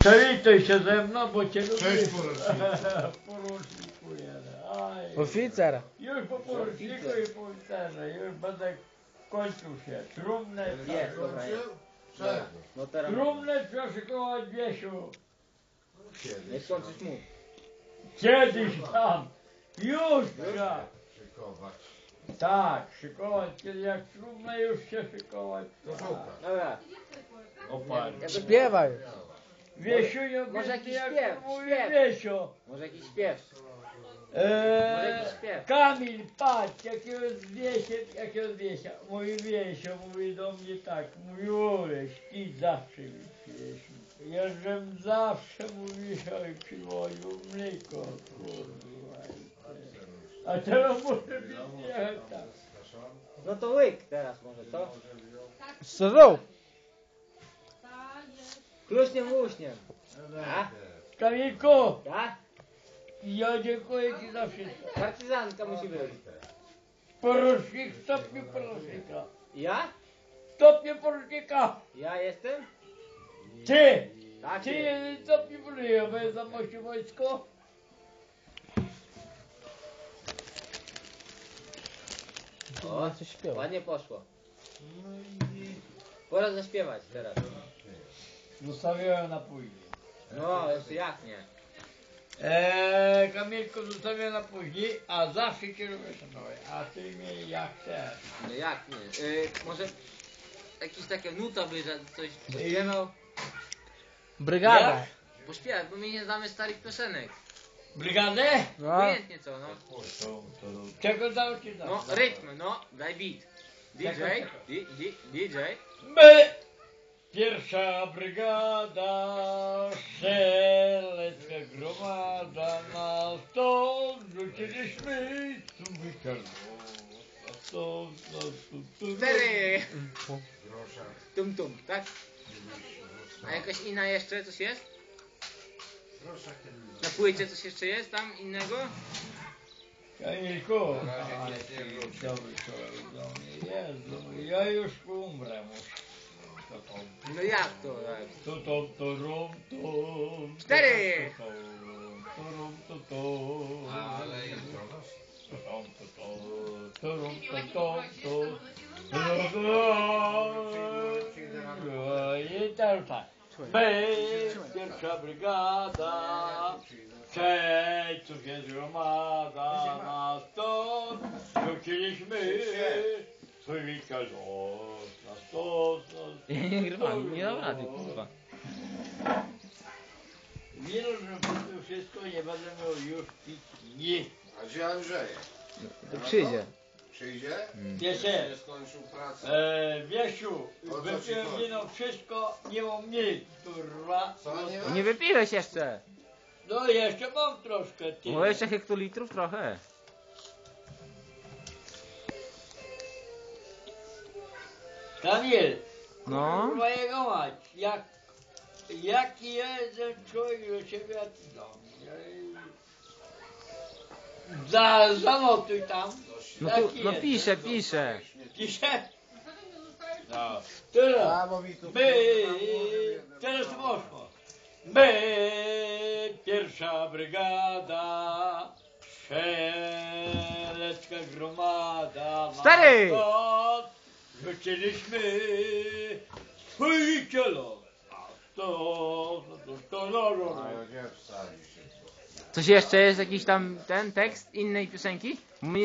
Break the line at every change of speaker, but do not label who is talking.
Przywitaj się ze mną, bo cię lubię.
Cześć poruczniku.
Poruczniku jeden. Aj.
Oficer.
Już po poruczniku i po oficerze. Już będę kończył się. Trumnę
Jest, dobra.
Czego?
No teraz
Trumnę trzeba szykować, Wiesiu.
nie
Kiedyś
skończysz mu.
Kiedyś tam. Już trzeba.
szykować.
Tak, szykować. Kiedy jak trumnę już się szykować.
To szukaj.
Dobra.
Oparcie.
Śpiewaj.
Wiesiu, nie
Może jakiś
jak
śpiew,
mówi
śpiew.
Wiesio.
Może jakiś śpiew. jakiś śpiew.
Kamil, patrz, jakiego wiesia. Mój Wiesio mówi do mnie tak, mówi Uleś, ty zawsze mi pieśń. Ja żem zawsze mówisz, oj, przywoził mleko, kurwa. A teraz może być nie tak.
No to łyk teraz może, co?
Srób.
Kluśniem łuśniem. A?
Kamilku,
Tak?
ja dziękuję ci za wszystko.
Partyzantka musi być.
Porucznik, stopniu porucznika.
Ja?
Stopniu porucznika.
Ja jestem?
Ty!
Tak
Ty
jest.
jeden stopniu porucznika, bo jest za mości wojsko.
O,
Coś śpiewa.
ładnie poszło. Pora zaśpiewać teraz.
Zostawiałem na później.
No, jeszcze jak nie.
Kamilku, zostawiłem na później, a zawsze cię lubię szanować. A ty mnie jak chcesz.
No jak nie. Może jakieś takie nuta by coś pośpiewał?
Brygada.
Jak?
Pośpiewać, bo my nie znamy starych piosenek.
Brygadę?
No.
Obojętnie co, no.
Czego dał ci
No, rytm, no, daj beat. DJ, DJ.
My! Pierwsza brygada, strzelecka gromada, na stąd rzuciliśmy sumyka.
Cztery!
Grosza.
Tum, tak? A jakaś inna jeszcze coś jest?
Grosza kiedyś.
Na płycie coś jeszcze jest tam innego?
Kamilku,
Na razie nic nie wróci.
dobry człowiek do mnie, Jezu, ja już umrę muszę.
No jak to tak? Cztery!
Ale jest Jonas.
I teraz tak. Pierwsza brygada, cóż jest gromada, na stąd rzuciliśmy swój witka los, na stąd.
Ja nie nagrywam, nie dam rady, kurwa.
Nie rozumiem wszystko, nie będę miał już pić nic.
A gdzie Andrzej?
To przyjdzie.
Przyjdzie?
Wiecie,
Nie skończył pracy.
Wiesiu,
O co ci
wypiłem
chodzi?
wino wszystko, nie mam nic, kurwa.
Co, nie
Nie wypiłeś jeszcze.
No jeszcze mam troszkę, ty.
Bo jeszcze hektolitrów trochę.
Kamil,
No.
kurwa jego mać, jaki jeden człowiek do ciebie, a ty do mnie. Zanotuj tam.
No,
Jaki
no
jest?
piszę.
Pisze? No. Teraz.
bo mi tu
Teraz poszło. My, pierwsza brygada, strzelecka gromada.
Stary!
Rzuciliśmy swój cielo.
A ja gdzie wstali się?
Coś jeszcze jest jakiś tam ten tekst innej piosenki? Bo my nie